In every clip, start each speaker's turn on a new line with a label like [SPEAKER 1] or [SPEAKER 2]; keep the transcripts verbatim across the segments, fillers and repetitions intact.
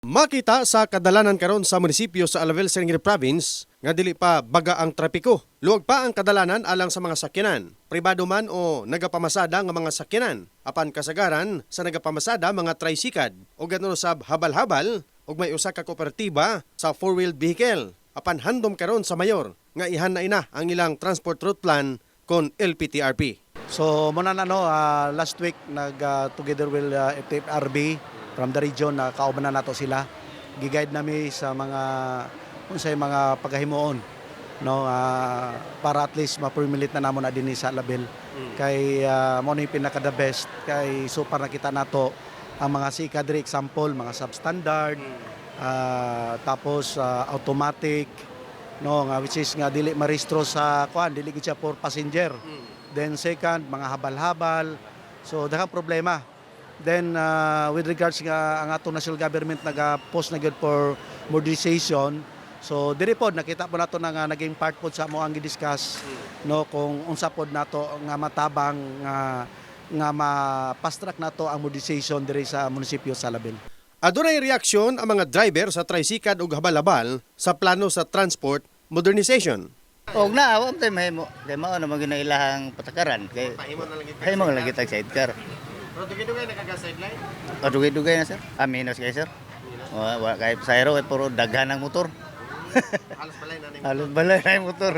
[SPEAKER 1] Makita sa kadalanan karon sa munisipyo sa Alavel, Serengeti Province nga dili pa baga ang trapiko. Luwag pa ang kadalanan alang sa mga sakyanan, pribado man o nagapamasada nga mga sakyanan. Apan kasagaran sa nagapamasada mga tricycad o gano'n sab habal-habal ug may usa ka kooperatiba sa four-wheeled vehicle. Apan handom karon sa mayor nga ihan na ina ang ilang transport route plan kon L P T R P.
[SPEAKER 2] So muna na no, uh, last week nag uh, together with uh, F T F R B from the region na uh, kauban na nato sila. Giguide nami sa mga unsay mga paghahimuon no uh, para at least ma-permit na namon na dinhi sa Alavel. Mm. Kay uh, mo ni pinaka the best kay so para nakita nato ang mga sika diri example mga substandard mm. uh, tapos uh, automatic no nga which is nga dili marehistro sa kuan dili gid siya for passenger. Mm. Then second mga habal-habal. So daghang problema. Then uh, with regards nga ang ato national government naga-post na gyud for modernization. So diri pod nakita po nato na nga naging part pod sa mo ang gi-discuss no kung unsa pod nato nga matabang nga nga ma-fast track nato ang modernization diri sa munisipyo sa Alavel.
[SPEAKER 1] Adunay reaksyon ang mga driver sa tricycad ug habal-habal sa plano sa transport modernization.
[SPEAKER 3] Og na wa tay mahimo kay mao na magina ilahang patakaran kay mahimo lang gitag sidecar.
[SPEAKER 1] Pero dugay-dugay nakaga-sideline?
[SPEAKER 3] O dugay-dugay na sir. Ah, minus kay sir. Wa wa kay sayro kay puro daghan ang motor.
[SPEAKER 1] Halos balay na ning
[SPEAKER 3] Halos balay na yung motor.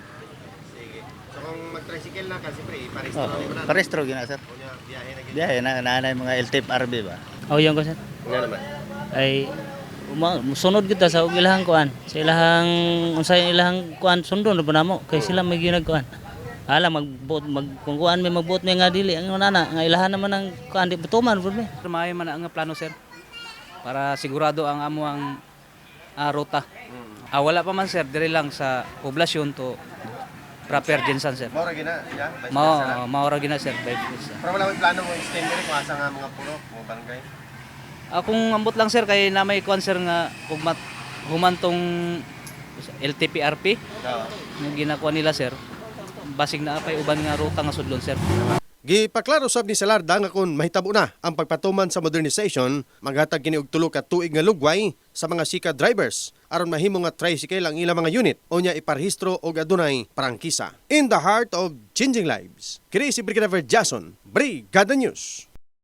[SPEAKER 1] Sige. So kung mag-tricycle na kasi pre, parehistro
[SPEAKER 3] Oh,
[SPEAKER 1] na.
[SPEAKER 3] parehistro gina sir.
[SPEAKER 1] Unya biyahe na gid.
[SPEAKER 3] Biyahe na naanay mga L T F R B ba.
[SPEAKER 4] Oh, yan ko sir.
[SPEAKER 1] Nga naman.
[SPEAKER 4] Ay uma, sunod kita sa ilahang kuan. Sa ilahang unsay ilahang kuan sundon na namo kay sila may ginagkuan. Ala magbuot mag kung kuan may magbuot may nga dili ang nana nga ilahan naman ang kuan di betuman pud mi.
[SPEAKER 5] Maayo man ang plano sir para sigurado ang amo ang uh, ruta. Ah, wala pa man sir diri lang sa poblasyon to proper Jensan sir.
[SPEAKER 1] Mora gina, ya.
[SPEAKER 5] Mao maora gina sir.
[SPEAKER 1] Pero wala may plano mo extend diri kung asa nga mga pulo, mga barangay.
[SPEAKER 5] Ah, kung ambot lang sir kay na may kuan sir nga ugmat humantong L T P R P.
[SPEAKER 1] Oo.
[SPEAKER 5] Yung ginakuha nila sir. Basig na apay uban nga ruta nga sudlon sir.
[SPEAKER 1] Gipaklaro sab ni Salarda nga kung mahitabo na ang pagpatuman sa modernization, maghatag kini og tulo ka tuig nga lugway sa mga sika drivers aron mahimo nga tricycle ang ilang mga unit o nya iparehistro og adunay prangkisa. In the heart of changing lives, kini si Brigadier Jason, Brigada News.